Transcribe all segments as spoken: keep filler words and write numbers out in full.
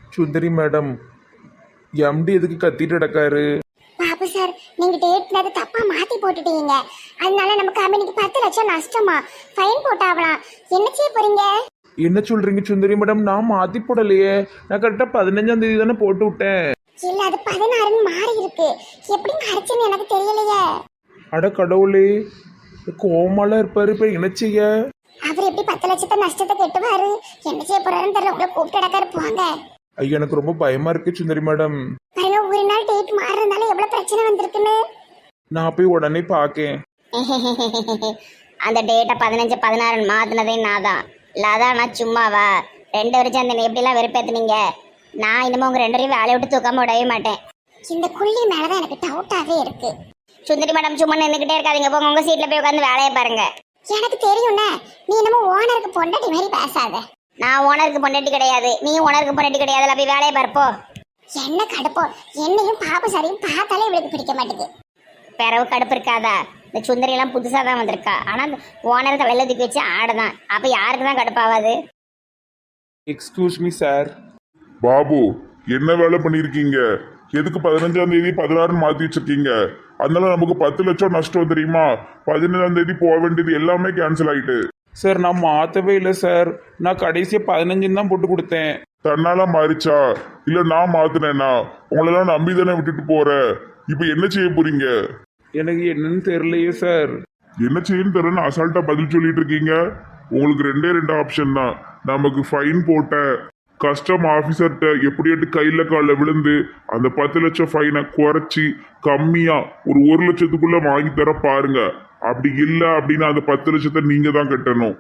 சுந்தரி madam, empty எதுக்கு கத்திட்டு கிடக்காரு? Babu sir, நீங்க டேட்ல அதை தப்பா மாத்தி போட்டுட்டீங்க. அதனால நம்ம கம்பெனிக்கு பத்து லட்சம் நஷ்டமா, ஃபைன் போட்டாவலாம். என்ன செய்ய போறீங்க? என்ன சொல்றீங்க சுந்தரி மேடம்? நான் மாத்தி போடலையே. நான் கரெக்டா பதினஞ்சாம் தேதி தானே போட்டு விட்டேன். இல்ல, அது பதினாறுன்னு மாறி இருக்கு. எப்படி மாறிச்சுன்னு எனக்கு தெரியலையே. அட கடவுளே, கோமாலாம் இருப்பாரு. இப்ப என்ன செய்ய? அவர் எப்படி பத்து லட்சத்தை நஷ்டத்தை கெட்டுவாரு? என்ன செய்ய போறாருன்னு தெரியல. உங்களை கூப்பிட்டு இடக்காரு போங்க. ஐயா, எனக்கு ரொம்ப பயமா இருக்கு சுந்தரி மேடம். பாருங்க, ஒரு நாள் டேட் மாறுறதுனால எவ்வளவு பிரச்சனை வந்திருக்குன்னு. நான் போய் உடனே பாக்கேன். அந்த டேட்டை பதினஞ்சு பதினாறு மாத்தினதே நான் தான். இல்லாதா நான் சும்மாவா? ரெண்டு வருஷம் அந்த எப்படிலாம் வெறுப்பேத்துனீங்க. நான் இன்னமும் உங்க ரெண்டு வரையும் வேலையை விட்டு தூக்காம விடவே மாட்டேன். இந்த குள்ளி மேலதான் எனக்கு டவுட்டாவே இருக்கு. சுந்தரி மேடம், சும்மா நின்றுக்கிட்டே இருக்காதீங்க. போங்க உங்க சீட்ல போய் உட்காந்து வேலையை பாருங்க. எனக்கு தெரியும்ண்ணே, நீ என்னமோ ஓனருக்கு பொண்டாட்டி மாதிரி பேசாத. நான் ஓனருக்கு பொண்டாட்டி கிடையாது, நீ ஓனருக்கு பொண்டாட்டி கிடையாதுல. போய் வேலையை பார்ப்போ. என்ன கடுப்போ, என்னையும் பாபு சாரையும் பார்த்தாலே இவளுக்கு பிடிக்க மாட்டேங்குது. பிறவு கடுப்பு இருக்காதா? இந்த சுந்தரி எல்லாம் புதுசா தான் வந்திருக்கா. ஆனா ஓனர் தலையில தூக்கி வச்சு ஆடுதான். அப்ப யாருக்கு தான் கடுப்பாவாது? Excuse me sir. பாபு, என்ன வேலை பண்ணிருக்கீங்க? எதுக்கு பதினஞ்சாம் தேதி பதினாறுன்னு மாத்தி வச்சிருக்கீங்க? அதனால நமக்கு பத்து லட்சம் நஷ்டம் தெரியுமா? பதினஞ்சாம் தேதி போக வேண்டியது எல்லாமே கேன்சல் ஆயிட்டு. சார், நான் மாத்தவே இல்லை சார். நான் கடைசியா பதினஞ்சுன்னு தான் போட்டு கொடுத்தேன். தன்னால மாறிச்சா இல்ல நான் மாத்தினேனா? உங்களெல்லாம் நம்பி தானே விட்டுட்டு போற. இப்ப என்ன செய்ய போறீங்க? எனக்கு என்னன்னு தெரியலையே சார். என்ன செய்யன்னு தெரியல, அசால்ட்டா பதில் சொல்லிட்டு இருக்கீங்க. உங்களுக்கு ரெண்டே ரெண்டு ஆப்ஷன் தான். நமக்கு ஃபைன் போட்ட கஸ்டம் ஆஃபீஸர்கிட்ட எப்படியாட்டு கையில காலில் விழுந்து அந்த பத்து லட்சம் ஃபைனை குறைச்சி கம்மியா ஒரு ஒரு லட்சத்துக்குள்ள வாங்கி தர பாருங்க. அப்படி இல்லை அப்படின்னா அந்த பத்து லட்சத்தை நீங்க தான் கட்டணும்.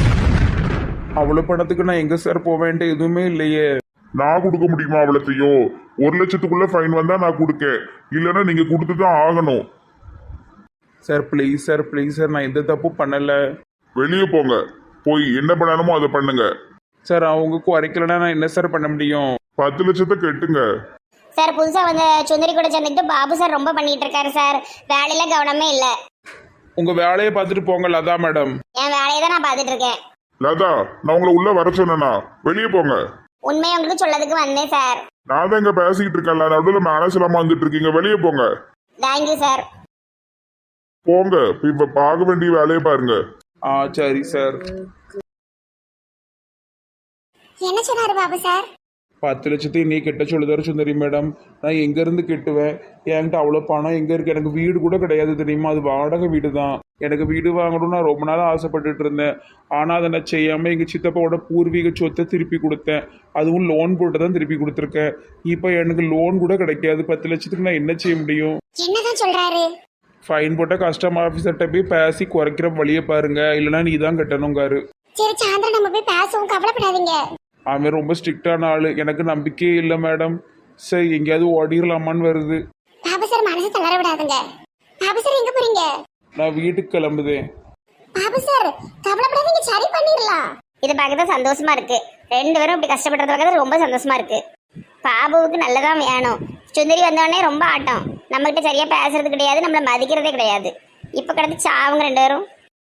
அவ்வளவு பணத்துக்கு நான் எங்க சார் போவேன்ட்டு எதுவுமே இல்லையே. நான் கொடுக்க முடியுமா அவ்வளோத்தையும்? ஒரு லட்சத்துக்குள்ள ஃபைன் வந்தா நான் கொடுக்க, இல்லைன்னா நீங்க கொடுத்து தான் ஆகணும். Sir please sir, please sir, நான் எந்த தப்பும் பண்ணல. வெளியே போங்க. போய் என்ன பண்ணணுமோ அதை பண்ணுங்க. சார், அவங்க குறைக்கலன்னா நான் என்ன சார் பண்ண முடியும்? பத்து லட்சத்தை கட்டுங்க. சார், புதுசா வந்து சுந்தரி கூட சேர்ந்துட்டு பாபு சார் ரொம்ப பண்ணிட்டு இருக்காரு சார். வேலையில கவனமே இல்ல. உங்க வேலையை பார்த்துட்டு போங்க லதா மேடம். என் வேலையை தான் நான் பார்த்துட்டு இருக்கேன். லதா, நான் உங்களை உள்ள வர சொன்னேனா? வெளியே போங்க. உண்மையை உங்களுக்கு சொல்லதுக்கு வந்தேன் சார். நான் தான் இங்க பேசிக்கிட்டு இருக்கேன்ல, நடுவில் மேனேஜ் இல்லாம வந்துட்டு இருக்கீங்க. வெளியே போங்க. Thank you sir. போங்க. இப்ப பார்க்க வேண்டிய வேலையை பாருங்க. ஆ சரி சார். என்ன சொன்னாரு பாபு சார்? பத்து லட்சத்தையும் நீ கெட்ட சொல்லுதாரு சுந்தரி மேடம். நான் எங்க இருந்து கெட்டுவேன்? என்கிட்ட அவ்வளோ பணம் எங்க இருக்கு? எனக்கு வீடு கூட கிடையாது தெரியுமா? அது வாடகை வீடு தான். எனக்கு வீடு வாங்கணும்னு நான் ரொம்ப நாளாக ஆசைப்பட்டுட்டு இருந்தேன். ஆனால் அதை நான் செய்யாமல் எங்கள் சித்தப்பாவோட பூர்வீக சொத்தை திருப்பி கொடுத்தேன். அதுவும் லோன் போட்டு தான் திருப்பி கொடுத்துருக்கேன். இப்போ எனக்கு லோன் கூட கிடைக்காது. பத்து லட்சத்துக்கு நான் என்ன செய்ய முடியும்? என்னதான் சொல்றாரு? ஃபைன் போட்ட கஸ்டம் ஆஃபீஸர்கிட்ட போய் பேசி குறைக்கிற வழியை பாருங்க, இல்லைன்னா நீ தான் கட்டணுங்காரு. சரி சாயந்தரம் நம்ம போய் பேசுவோம், கவலைப்படாதீங்க. அவன் ரொம்ப ஸ்ட்ரிக்டான ஆளு. எனக்கு நம்பிக்கையே இல்லை மேடம். சரி, எங்கேயாவது ஓடிடலாமான்னு வருது. பாபு சார் மனசு தளர விடாதுங்க. பாபு சார் எங்க போறீங்க? நான் வீட்டுக்கு கிளம்புதேன். பாபு சார் கவலைப்படாதீங்க, சரி பண்ணிடலாம். இது பார்க்கறது சந்தோஷமா இருக்கு. ரெண்டு பேரும் இப்படி கஷ்டப்படுறது பார்க்கறது ரொம்ப சந்தோஷமா இருக்கு. பாபுவுக்கு நல்லதான் வேணும். சுந்தரி வந்தோடனே ரொம்ப ஆட்டம். நம்ம கிட்ட சரியா பேசுறது கிடையாது, நம்மள மதிக்கிறதே கிடையாது. இப்ப கிடந்து சாவுங்க ரெண்டு பேரும்.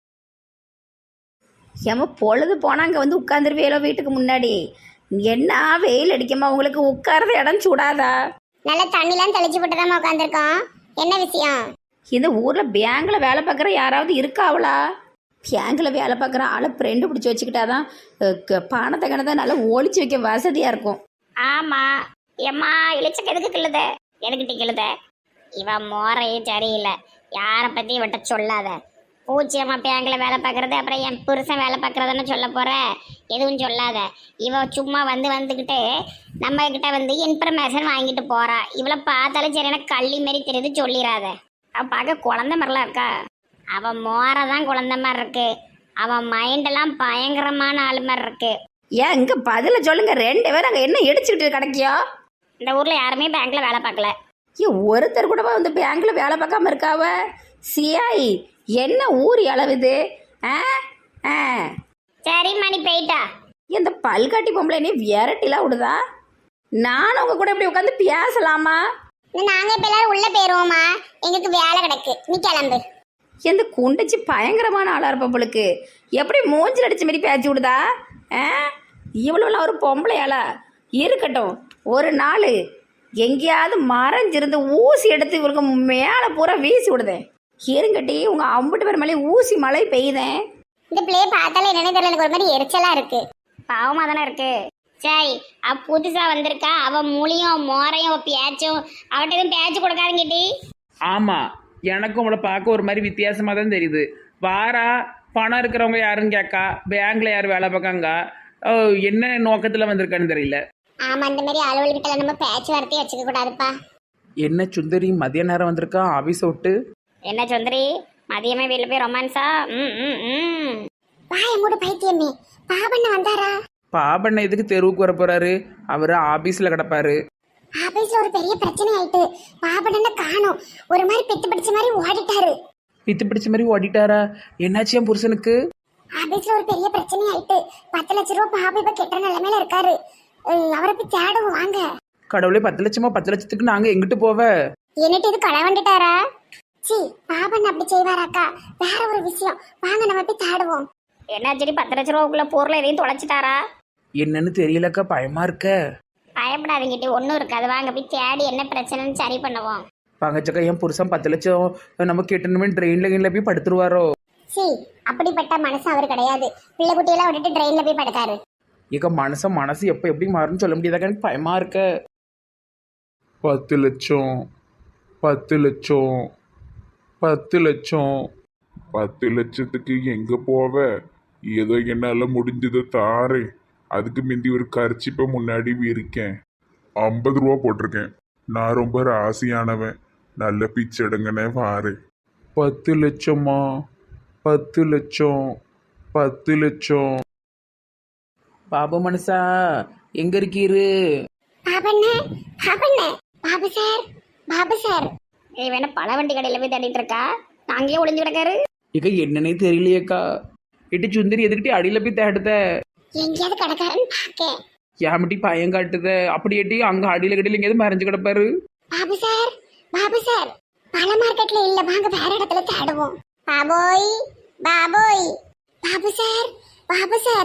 ஏமா பொழுது போனால் அங்கே வந்து உட்காந்துருவேலோ வீட்டுக்கு முன்னாடி. என்ன வெயில் அடிக்குமா உங்களுக்கு? உட்கார்ற இடம் சூடாதா? நல்ல தண்ணிலாம் தெளிச்சு போட்டு தான் உட்காந்துருக்கோம். என்ன விஷயம்? இந்த ஊரில் பேங்கில் வேலை பார்க்குற யாராவது இருக்காவளா? பேங்கில் வேலை பார்க்குற ஆளை ஃப்ரெண்டு பிடிச்சி வச்சுக்கிட்டாதான் பணத்தை கணத்தை நல்லா ஒழிச்சு வைக்க வசதியாக இருக்கும். ஆமா ஏம்மா, இழிச்சக்கு எதுக்கு கிள்ளுத? எதுக்கிட்ட கிள்ளுத? இவன் மோரையே சரியில்லை. யாரை பத்தி இவட்ட சொல்லாத. பூச்சியம்மா பேங்கில் வேலை பார்க்கறது, அப்புறம் என் புருஷன் வேலை பார்க்கறதுன்னு சொல்ல போற. எதுவும் சொல்லாத. இவ சும்மா வந்து வந்துக்கிட்டு நம்ம கிட்ட வந்து இன்ஃபர்மேஷன் வாங்கிட்டு போறா. இவளை பார்த்தாலும் சரி எனக்கு கள்ளி மாரி தெரியுது, சொல்லிடாத. அவ பார்க்க குழந்தை மாதிரிலாம் இருக்கா. அவன் மோரை தான் குழந்தை மாதிரி இருக்கு. அவன் மைண்டெல்லாம் பயங்கரமான ஆளு மாதிரி இருக்கு. ஏன் இங்கே பதில சொல்லுங்க. ரெண்டு பேரும் அங்கே என்ன இடிச்சுக்கிட்டு கிடைக்கியோ? இந்த ஊர்ல யாருமே பேங்க்ல வேலை பார்க்கல. ஏன் ஒருத்தர் கூடவா வந்து பேங்கில் வேலை பார்க்காம இருக்காவ? சியாய், என்ன ஊர் அளவுது? ஆ ஆ சரி மணி போயிட்டா. இந்த பல்காட்டி பொம்பளை நீ விரட்டிலாம் விடுதா? நானும் உங்க கூட இப்படி உட்காந்து பேசலாமா? நாங்க இப்ப எல்லாரும் உள்ள போயிருவோமா? எங்களுக்கு வேலை கிடக்கு, நீ கிளம்பு. எந்த குண்டச்சி பயங்கரமான ஆளா இருப்பவளுக்கு எப்படி மூஞ்சில் அடிச்ச மாதிரி பேச்சு விடுதா? ஆ இவ்வளோலாம் ஒரு பொம்பளையாளா? இருக்கட்டும், ஒரு நாள் எங்கேயாவது மறைஞ்சிருந்து ஊசி எடுத்து இவருக்கு மேலே பூரா வீசி விடுதேன். இருங்கட்டி உங்கள் அம்புட்டு பேர் மேலே ஊசி மழை பெய்யுதேன். இந்த பிள்ளைய பார்த்தாலே என்னன்னு தெரியல, எனக்கு ஒரு மாதிரி எரிச்சலா இருக்கு. பாவமாக தானே இருக்கு. சரி, அவ புதுசா வந்திருக்கா, அவ மூலியும் மோரையும் பேச்சும் அவட்ட எதுவும் பேச்சு கொடுக்காருங்கிட்டி. ஆமாம், எனக்கும் அவளை பார்க்க ஒரு மாதிரி வித்தியாசமாக தான் தெரியுது. வாரா, பணம் இருக்கிறவங்க யாருன்னு கேட்கா, பேங்க்ல யார் வேலை பார்க்காங்க, ஓ, என்ன நோக்கத்தில் வந்திருக்கான்னு தெரியல. ஆமா, இந்த மாதிரி அலுவலகிட்ட நம்ம பேச்சுவார்த்தையை வச்சுக்க கூடாதுப்பா. என்ன சுந்தரி மதிய நேரம் வந்திருக்கா ஆஃபீஸ் விட்டு? என்ன சுந்தரி, மதியமே வீட்டில் போய் ரொமான்ஸா? ம் ம் ம் வாய மூடு பைத்தியமே. பாபண்ண வந்தாரா? பாபண்ண எதுக்கு தெருவுக்கு வர போறாரு? அவர் ஆபீஸ்ல கிடப்பாரு. ஆபீஸ்ல ஒரு பெரிய பிரச்சனை ஆயிட்டு பாபண்ண காணோம். ஒரு மாதிரி பித்து பிடிச்ச மாதிரி ஓடிட்டாரு. பித்து பிடிச்ச மாதிரி ஓடிட்டாரா? என்னாச்சு என் புருஷனுக்கு? ஆபீஸ்ல ஒரு பெரிய பிரச்சனை ஆயிட்டு பத்து லட்சம் ரூபாய் பாபு இப்ப கெட்ட நிலைமையில இருக்காரு. அவரை போய் தேடுவோம் வாங்க. கடவுளே, பத்து லட்சமா? பத்து லட்சத்துக்கு நாங்க எங்கிட்டு போவ? என்னட்டு இது களவண்டுட்டாரா? சி, பாபன் அப்படி செய்வாராக்கா? வேற ஒரு விஷயம், வாங்க நம்ம போய் தேடுவோம். என்ன சரி, பத்து லட்ச ரூபாக்குள்ள பொருளை எதையும் தொலைச்சிட்டாரா? என்னன்னு தெரியலக்கா, பயமா இருக்க. பயப்படாதீங்கிட்டி, ஒன்றும் இருக்காது. வாங்க போய் தேடி என்ன பிரச்சனைன்னு சரி பண்ணுவோம். பங்கச்சக்கா, என் புருஷன் பத்து லட்சம் நம்ம கேட்டணுமே ட்ரெயின்ல கீழ போய் படுத்துருவாரோ? சி, அப்படிப்பட்ட மனசு அவர் கிடையாது. பிள்ளை குட்டியெல்லாம் விட்டுட்டு ட்ரெயின்ல போய் படுத்தாரு. ஏக்கா, மனச மனசு எப்ப எப்படி மாறும்னு சொல்ல முடியாதாக்கா, எனக்கு பயமா இருக்க. பத்து லட்சம் பத்து லட்சம் பத்து லட்சம் பத்து லட்சத்துக்கு எங்க போவ? ஏதோ என்னால முடிஞ்சதை தாரேன். அதுக்கு முந்தி ஒரு கரிச்சிப்ப முன்னாடி இருக்கேன். ஐம்பது ரூபா போட்டிருக்கேன். நான் ரொம்ப ராசியானவன். நல்ல பிச்சை எடுங்கன்னே வாரு. பத்து லட்சமா? பத்து லட்சம் பத்து லட்சம் பாபு மனசா எங்க இருக்கீரு? பாபண்ண பாபண்ண பாபு சார், பாபு சார். ஏய், வேணா பழ வண்டி கடையில் போய் தேடிட்டு இருக்கா, அங்கேயே ஒளிஞ்சு கிடக்காரு. ஏக்கா, என்னன்னே தெரியலையேக்கா. எட்டு சுந்தரி எதுக்கிட்டே அடியில போய் தேடுத? எங்கேயாவது கிடக்காருன்னு பாக்கேன். ஏமிட்டி பயம் காட்டுத? அப்படி எட்டி அங்க அடியில கடையில எங்கேயாவது மறைஞ்சு கிடப்பாரு. பாபு சார், பாபு சார், பழ மார்க்கெட்ல இல்ல, வாங்க வேற இடத்துல தேடுவோம். பாபோய், பாபோய், பாபு சார், பாபு சார்.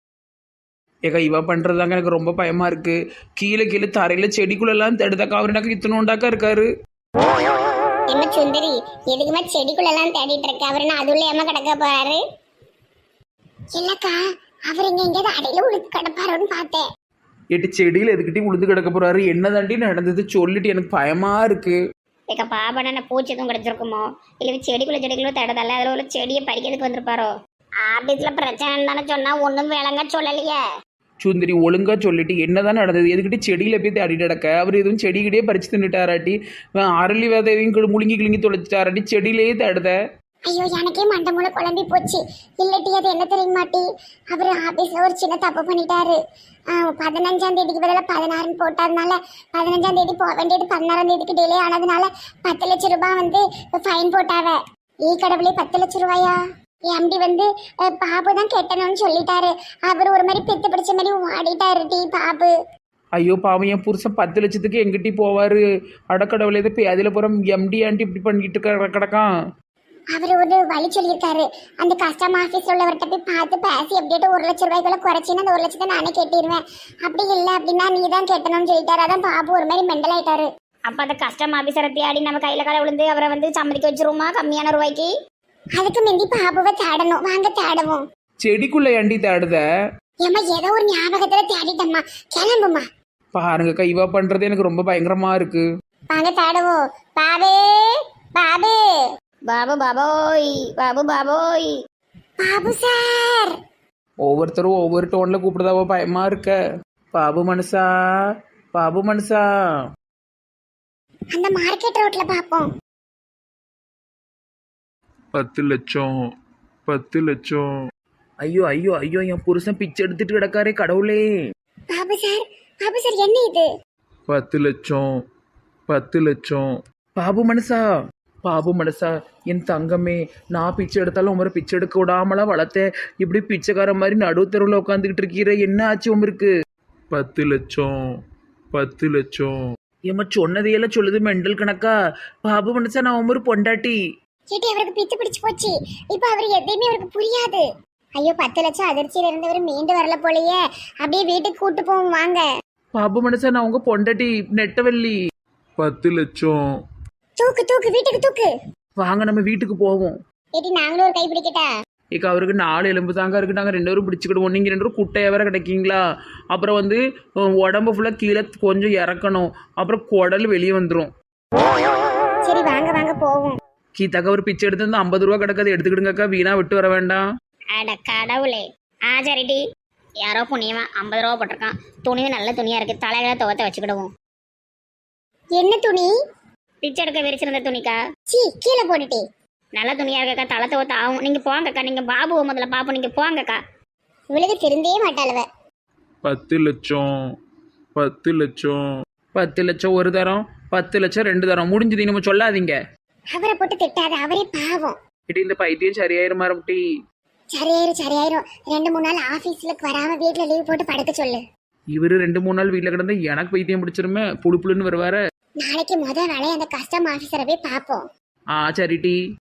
ஏக்கா, இவ பண்றதாங்க எனக்கு ரொம்ப பயமா இருக்கு. கீழே கீழே தரையில செடிக்குள்ள எல்லாம் தேடுதாக்கா. அவர் எனக்கு இத்தனோண்டாக்கா இருக்காரு. என்ன சுந்தரி, எதுக்குமே செடிக்குள்ள எல்லாம் தேடிட்டு இருக்க? அவரு நான் அதுள்ள ஏமா கிடக்க போறாரு? இல்லக்கா, அவர் இங்க எங்கேயாவது அடையில உழுத்து கிடப்பாருன்னு பார்த்தேன். எட்டு செடியில எதுக்கிட்டே உளுந்து கிடக்க போறாரு? என்ன தாண்டி நடந்தது சொல்லிட்டு எனக்கு பயமா இருக்கு. ஏக்கா, பாபண்ண பூச்சி எதுவும் கிடைச்சிருக்குமோ, இல்லை செடிக்குள்ள செடிக்குள்ள தேடதால அதில் உள்ள செடியை பறிக்கிறதுக்கு வந்திருப்பாரோ? ஆபீஸ்ல பிரச்சனைன்னு தானே சொன்னா, ஒன்றும் விளங்க சொல்லலையே. சுந்தரி, ஒழுங்கா சொல்லிட்டு என்னதான் நடந்தது? எதுக்கிட்டே செடியில போய் தேடிட்டு கிடக்க? அவர் எதுவும் செடிக்கிட்டே பறிச்சு தின்னுட்டாராட்டி, அரளி விதை எதையும் முழுங்கி கிழுங்கி தொலைச்சிட்டாராட்டி, செடியிலேயே தேடுத. ஐயோ, எனக்கே மண்டை மூளை குழம்பி போச்சு. இல்லட்டி அது என்ன தெரியுமாட்டி, அவர் ஆபீஸ்ல ஒரு சின்ன தப்பு பண்ணிட்டாரு. பதினஞ்சாம் தேதிக்கு பதிலாக பதினாறுன்னு போட்டதுனால பதினஞ்சாம் தேதி போக வேண்டியது பதினாறாம் தேதிக்கு டிலே ஆனதுனால பத்து லட்சம் ரூபாய் வந்து ஃபைன் போட்டாவ. ஈ கடவுளே, பத்து லட்சம் ரூபாயா? எம்டி வந்து பாபு தான் கெட்டணும்னு சொல்லிட்டாரு. அவர் ஒரு மாதிரி பெத்து பிடிச்ச மாதிரி ஓடிட்டாரு டி பாபு. ஐயோ பாவம், என் புருஷன் பத்து லட்சத்துக்கு எங்கிட்டி போவாரு? அடக்கடவுளே, இதை போய் அதில் புறம் எம்டி ஆண்டி இப்படி பண்ணிட்டு இருக்க கிடக்கான். அவர் ஒரு வழி சொல்லியிருக்காரு. அந்த கஸ்டம் ஆஃபீஸ் உள்ளவர்கிட்ட போய் பார்த்து பேசி எப்படிட்டு ஒரு லட்சம் ரூபாய்க்குள்ள குறைச்சின்னு அந்த ஒரு லட்சத்தை நானே கேட்டிருவேன். அப்படி இல்லை அப்படின்னா நீ தான் கேட்டணும்னு சொல்லிட்டாரு. அதான் பாபு ஒரு மாதிரி மெண்டல் ஆயிட்டாரு. அப்போ அந்த கஸ்டம் ஆஃபீஸரை தேடி நம்ம கையில் காலை விழுந்து அவரை வந்து சம்மதிக்க வச்சிருவோமா கம்மியான ரூபாய்க்கு? அதுக்கு முந்தி பாபுவை தேடணும். வாங்க தேடுவோம். செடிக்குள்ள ஏண்டி தேடுத? ஏமா ஏதோ ஒரு ஞாபகத்துல தேடிட்டம்மா, கிளம்புமா. பாருங்கக்கா, இவ பண்றது எனக்கு ரொம்ப பயங்கரமா இருக்கு. வாங்க தேடுவோம். பாபு, பாபு, பாபு பாபோய், பாபு பாபோய். பாபு சார். ஒவ்வொருத்தரும் ஒவ்வொரு டோன்ல கூப்பிடுதாவோ, பயமா இருக்க. பாபு மனுஷா, பாபு மனுஷா. அந்த மார்க்கெட் ரோட்ல பாப்போம். பத்து லட்சம் பத்து லட்சம் ஐயோ ஐயோ ஐயோ, என் புருஷன் பிச்சை எடுத்துட்டு கிடக்காரே கடவுளே. பாபு சார், பாபு சார், என்ன இது? பத்து லட்சம் பத்து லட்சம் பாபு மனுஷா, பாபு மனுஷா, என் தங்கமே, நான் பிச்சை எடுத்தாலும் உமரை பிச்சை எடுக்க விடாமலாம் வளர்த்தேன். இப்படி பிச்சைக்கார மாதிரி நடுத்தருவில் உட்காந்துக்கிட்டு இருக்கிற, என்ன ஆச்சு உமருக்கு? பத்து லட்சம் பத்து லட்சம் ஏமா சொன்னதையெல்லாம் சொல்லுது மெண்டல் கணக்கா. பாபு மனுஷா, நான் உமரு பொண்டாட்டி. கேட்டி அவருக்கு பித்து பிடிச்சு போச்சு. இப்ப அவரு எதையுமே அவருக்கு புரியாது. ஐயோ, பத்து லட்சம் அதிர்ச்சியில இருந்தவர் மீண்டு வரல போலயே. அப்படியே வீட்டுக்கு கூட்டு போவோம் வாங்க. பாபு மனுஷன் நான் உங்க பொண்டாட்டி நெட்டவள்ளி. பத்து லட்சம். தூக்கு தூக்கு வீட்டுக்கு தூக்கு. வாங்க நம்ம வீட்டுக்கு போவோம். ஏடி நாங்களும் ஒரு கை பிடிக்கட்டா? இக்க அவருக்கு நாலு எலும்பு தாங்க இருக்கு, நாங்கள் ரெண்டு பேரும் பிடிச்சிக்கிடுவோம். நீங்கள் ரெண்டு பேரும் குட்டையாக வேற கிடைக்கீங்களா? அப்புறம் வந்து அஹ், உடம்பு ஃபுல்லாக கீழே கொஞ்சம் இறக்கணும், அப்புறம் குடல் வெளியே வந்துடும். சரி வாங்க வாங்க போவோம். கீத்தாக்கா ஒரு பிச்சை எடுத்து வந்து ஐம்பது ரூபா கிடக்காது, எடுத்துக்கிடுங்கக்கா, வீணா விட்டு வர வேண்டாம். அட கடவுளே. ஆ சரிடி. யாரோ புண்ணியவன் ஐம்பது ரூபா போட்டிருக்கான். துணியும் நல்ல துணியா இருக்கு, தலைகளை துவத்த வச்சுக்கிடுவோம். என்ன துணி? பிச்சை எடுக்க விரிச்சிருந்த துணிக்கா. சீ கீழே போட்டுட்டே. நல்ல துணியா இருக்கக்கா, தலை துவத்த ஆகும். நீங்க போங்கக்கா, நீங்க பாபுவை முதல்ல பாப்போம், நீங்க போங்கக்கா. இவளுக்கு திருந்தே மாட்டாளுவ. பத்து லட்சம். பத்து லட்சம். பத்து லட்சம் ஒரு தரம், பத்து லட்சம் ரெண்டு தரம், முடிஞ்சது. நம்ம சொல்லாதீங்க. அவரை போட்டு திட்டாத, அவரே பாவம். இடி இந்த பைத்தியம் சரியாயிருமா ரம்டி? சரியாயிரும் சரியாயிரும். ரெண்டு மூணு நாள் ஆபீஸ்ல வராம வீட்டுல லீவ் போட்டு படுக்க சொல்லு. இவரு ரெண்டு மூணு நாள் வீட்டில் கிடந்தா எனக்கு பைத்தியம் பிடிச்சிருமே, புழு புழுன்னு வருவாரு. நாளைக்கு முத வேலையை அந்த கஸ்டம் ஆபீசரை போய் பாப்போம். ஆ சரி டி.